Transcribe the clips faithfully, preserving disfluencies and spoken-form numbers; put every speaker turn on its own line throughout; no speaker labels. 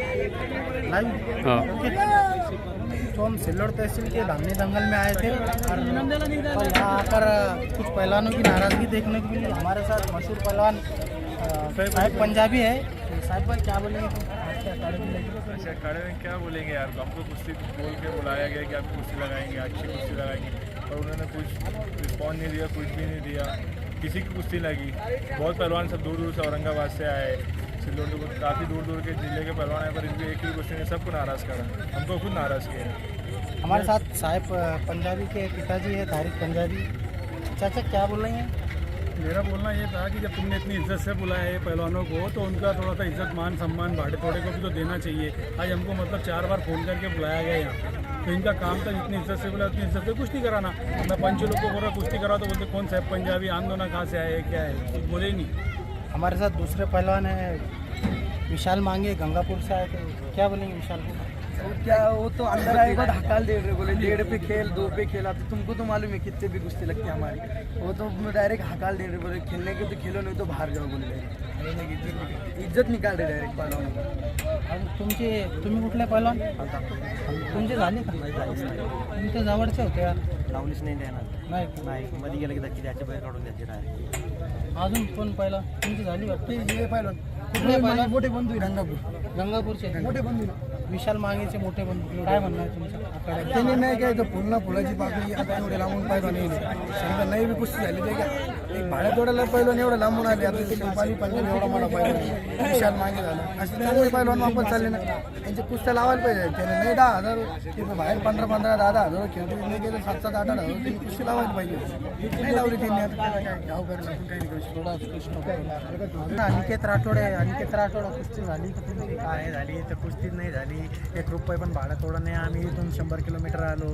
Live
हाँ।
तो हम सिल्लोड तहसील के धामनी दंगल में आए थे और यहाँ आकर कुछ पहलवानों की नाराज़गी देखने को मिली। हमारे साथ मशहूर पहलवान साहिब पंजाबी है। साहिब भाई क्या बोलेंगे आज के अखाड़े में लेकर?
अच्छा, अखाड़े में क्या बोलेंगे यार, हमको कुश्ती बोल के बुलाया गया कि आप कुश्ती लगाएंगे, अच्छी कुश्ती लगाएंगे, और उन्होंने कुछ रिस्पॉन्स नहीं दिया, कुछ भी नहीं दिया। किसी की कुश्ती लगी, बहुत पहलवान सब दूर दूर से औरंगाबाद से आए, सिल्लोड तो काफ़ी दूर दूर के जिले के पहलवान आए, पर इनकी एक ही क्वेश्चन ने सबको नाराज़ करा, हमको खुद नाराज़ किया।
हमारे साथ साहिब पंजाबी के पिताजी है, तारिक पंजाबी। चाचा क्या बोल रहे हैं?
मेरा बोलना ये था कि जब तुमने इतनी इज्जत से बुलाया है पहलवानों को, तो उनका थोड़ा सा इज्जत मान सम्मान भाड़े थोड़े को भी तो देना चाहिए। आज हमको मतलब चार बार फ़ोन करके बुलाया गया यहाँ, तो इनका काम था जितनी इज्जत से बुलाया उतनी इज्जत से कुश्ती कराना। मैं पंच लोग को बोल रहा कुश्ती कराओ तो बोलते कौन साहब पंजाबी, आंदोलन कहाँ से आए, क्या है, कुछ बोले ही नहीं।
हमारे साथ दूसरे पहलवान है विशाल मांगे, गंगापुर से आए थे। क्या बोलेंगे विशाल को?
तो क्या वो तो अंदर आएगा ढकाल दे रहे, बोले डेढ़ पे खेल, दो पे खेल। अब तुमको तो मालूम है कितने भी कुश्ती लगती है हमारी, वो तो डायरेक्ट हकाल दे रहे, बोले खेलने के तो खेलो, नहीं तो बाहर जाओ बोले। इज्जत निकाल रहे डायरेक्ट पहलवान।
आणि तुमचे तुम्ही कुठले पहलवान? तुमचे झाले का? तुमच्या जवळचे होते यार.
लावलीच नाही देणार
नाही
नाही, मध्ये गेलं की त्याची त्याची बाहेर काढून द्यायची डायरेक्ट.
अजून कोण पहिला? तुमची झाली वाटते.
हे पहलवान
कुठले पहलवान?
मोठे बंधू आहे गंगापूर,
गंगापूरचे
मोठे बंधू.
विशाल मांगेचे मोठे बंधू. काय म्हणणं आहे तुमचं आखाड्यात?
त्यांनी नाही काय तर फुलना फुलाची पाकळी आता एवढे लांबून पहलवान येईल. समजा नाही बी कुस्ती झाली ते काय एक भाड्या तोड्याला पहलवान एवढं लांबून आले. आता ते नेपाळी पंजाबी एवढा मोठा पहलवान विशाल मांगे झाला. असे चांगले पहलवान वापस चालले ना, त्यांच्या कुस्त्या लावायला पाहिजे. त्याने नाही दहा हजार ते बाहेर पंधरा पंधरा दहा दहा हजार खेळतो, नाही गेलं सात सात आठ आठ हजार त्यांनी कुस्ती लावायला पाहिजे. नाही लावली त्यांनी. आता काय काय घ्याव करायला आपण काही नाही
थोडा कृष्ण अनिकेत राठोडे. अनिकेत राठोड कुस्ती झाली का तुमची?
काय झाली तर कुस्तीच नाही झाली. एक रुपये पण भाडं थोडं नाही. आम्ही इथून शंभर किलोमीटर आलो.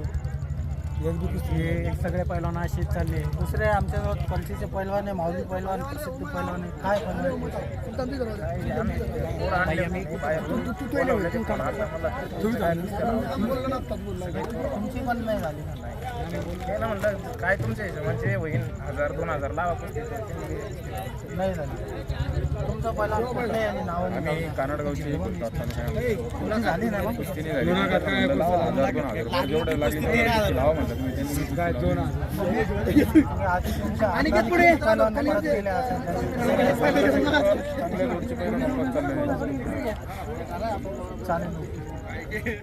एक बी कुस्ती हे सगळे पैलवान असेच चालले.
दुसरे आमच्याजवळ पंचीचे पैलवान आहे, माऊली पैलवान, प्रसिद्ध पैलवान आहे. काय पैलवान? तुमची पण नाही झाली ना?
ना म्हणलं काय तुमच्या हिशोबाचे होईल, हजार दोन हजार लावा कुस्ती.
नाही झाली. तुमचा पैलवान कुठले आणि नाव?
आम्ही कानडगावचे
तुला झाली ना? मग
कुस्ती नाही झाली, हजार दोन हजार जेवढं लागले लावा म्हणलं तुम्ही.
काय दोन
आधी तुमच्या पैलवान परत गेले असेल.
चांगल्या रोडचे पैलवान वापस चालले.
चालेल.